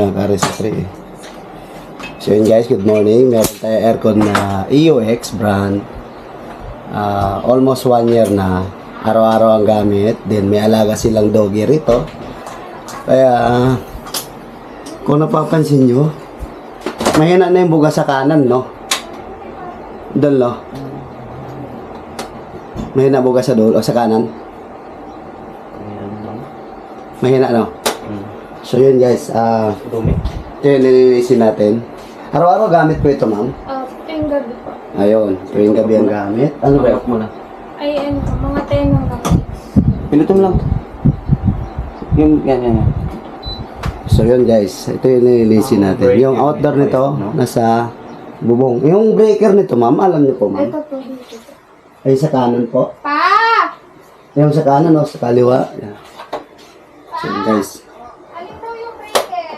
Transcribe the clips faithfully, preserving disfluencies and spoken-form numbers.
mga ka-resistri. So yun guys, good morning. Meron tayo aircon na E U X brand. Uh, almost one year na. Araw-araw ang gamit. Then may alaga silang doggy rito. Kaya, uh, kung napapansin nyo, mahina na yung buga sa kanan, no? Doon, no? Mahina buga sa dulo, o sa kanan. Mahina, no? So yun guys, ah, uh, ito yung nililisin natin. Araw-araw gamit ko ito, ma'am? Ah, tuwing gabi po. Ayun, tuwing gabi ang gamit. Ano ba yun? Muna. Ay, ano po, mga ten hanggang six. Pinutom lang. Yung, yan, yan, yan. So yun guys, ito yung nililisin natin. Yung outdoor nito, nasa bubong. Yung breaker nito, ma'am, alam niyo po, ma'am? Ito po, dito po. Ay, sa kanan po. Pa! Yung sa kanan, o sa kaliwa. Yan. So yun guys. Alin daw yung breaker?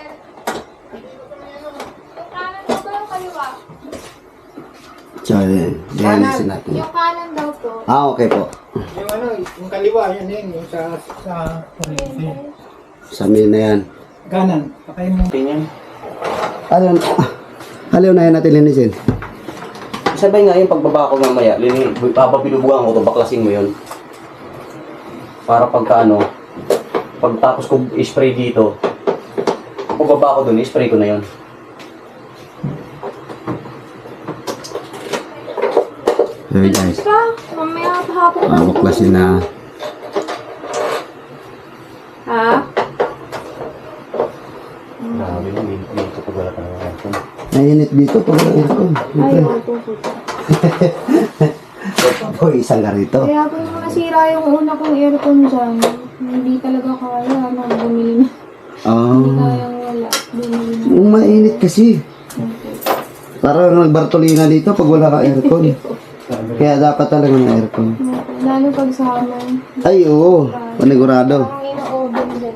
Yung kanan daw ba yung kaliwa? So yun, nililisin natin. Yung kanan daw po. Ah, okay po. Yung ano, yung kaliwa, yan yan, yung sa, sa, Sa amin na yan. kanan, patay mo. Tingnan. Ano, ano na yan natin linisin? Sabay nga yung pagbaba ko mamaya, lini, habang pinubugan ko to, baklasin mo yun. Para pagka ano, pagtapos ko i-spray dito, pagbaba ko dun, i-spray ko na yun. Hey guys, Pa, mamaya hapon ka. mabuklasin na. Ha? Grabe na, may dito pag wala ka ng aircon. Nainit dito pag aircon. Ay, opo po. O, isang ka rito. Kaya po yung nasira yung una kong aircon dyan, hindi talaga kaya, ano, bumili na. Hindi Ah, kayang wala, bumili na. mainit kasi. Okay. Parang nagbartolina dito pag wala ka aircon. Kaya dapat talaga ng aircon. Okay. Lalo pag summer, Ay, oo. Panigurado. parang ino-oven din.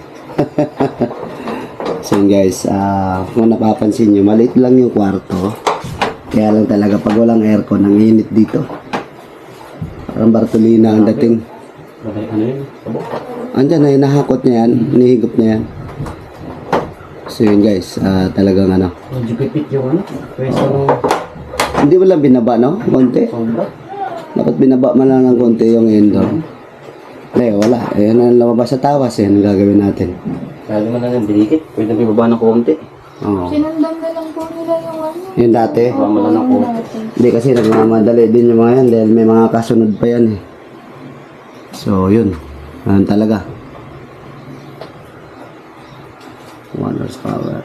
So yun guys, ah, kung napapansin nyo, maliit lang yung kwarto. Kaya lang talaga pag walang aircon, ang init dito. Parang bartolina ang dating. Ano yun? Sabo? Andyan na, nahakot niya yan. Nihigop niya yan. So yun guys, ah, talagang ano. Medyo pipit yung ano, pwesto ng Hindi mo lang binaba, no? Konti. sombra. Dapat binaba man lang ng konti yung indoor. Eh, wala. Ayan ang lumabas sa tawas. Yan ang gagawin natin. Lalo man lang yung bilikit, pwede na bibaba ng konti. Oo. Sinundan na lang po nila yung ano. Yun dati. Baba mo lang ng konti. Dati. Hindi kasi nagmamadali din yung mga yan dahil may mga kasunod pa yan eh. So, yun. Ganun talaga. One horsepower.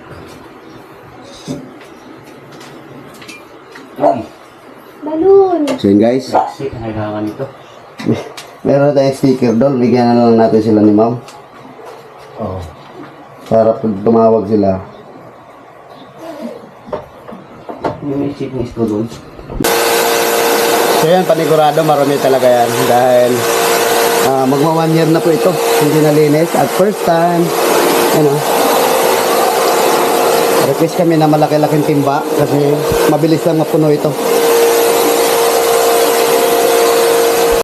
Ay, Balloon! So, yun guys. saksi, ang kailangan nito. Meron tayong sticker doon. Bigyan na lang natin sila ni ma'am. Oo. Para pag tumawag sila. Yung may chipness ko doon. So yan, panigurado, marami talaga yan. Dahil ah, magma one year na po ito. Hindi nalinis. At first time, ano, request kami na malaki-laking timba kasi mabilis lang mapuno ito.